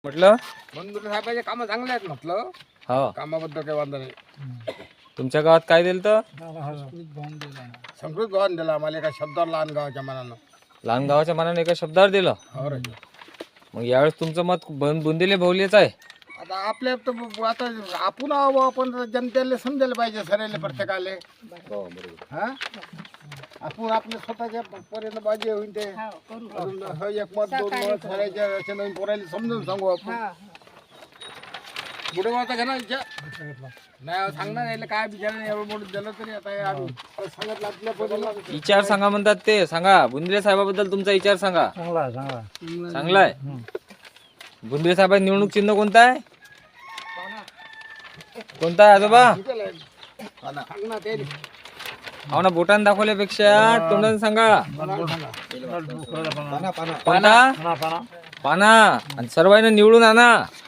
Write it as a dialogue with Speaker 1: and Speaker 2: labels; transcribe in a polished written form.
Speaker 1: म्हटलं
Speaker 2: बंधुरे साहेबांचे कामं चांगले आहेत म्हटलं.
Speaker 1: हो.
Speaker 2: कामाबद्दल काही वांधा नाही.
Speaker 1: तुमच्या गावात काय दिलं तर
Speaker 2: संस्कृत भवन दिला आम्हाला एका शब्दावर लहान गावाच्या मनानं.
Speaker 1: लहान गावाच्या मनाने एका शब्दावर दिलं.
Speaker 2: हो रे.
Speaker 1: मग यावेळेस तुमचं मत बुंदीले बहुलेच आहे.
Speaker 2: आता आपल्या तर आता आपण आहो, आपण जनतेला समजायला पाहिजे सरेले प्रत्येकाले. हा आपण आपल्या स्वतःच्या पर्यंत बाजी होईल ते अजून हो एक मत दोन मत सरायच्या अशा नवीन पोरायला समजून सांगू आपण. पुढे वाचा घ्या ना विचार नाही सांगणार यायला काय बिचारा एवढं मोठं दिलं तरी आता हे आम्ही सांगितलं आपल्या पोरीला.
Speaker 1: विचार सांगा म्हणतात ते. सांगा बुंदिले साहेबाबद्दल तुमचा विचार सांगा. चांगला आहे. बुंदिले साहेबांचं निवडणूक चिन्ह कोणतं आहे? कोणता आहे आजोबा?
Speaker 2: सांग ना ते
Speaker 1: हो ना, बोटाने दाखवल्यापेक्षा तोंडाने सांगा. कोणता? पाना आणि सर्वांना निवडून आणा.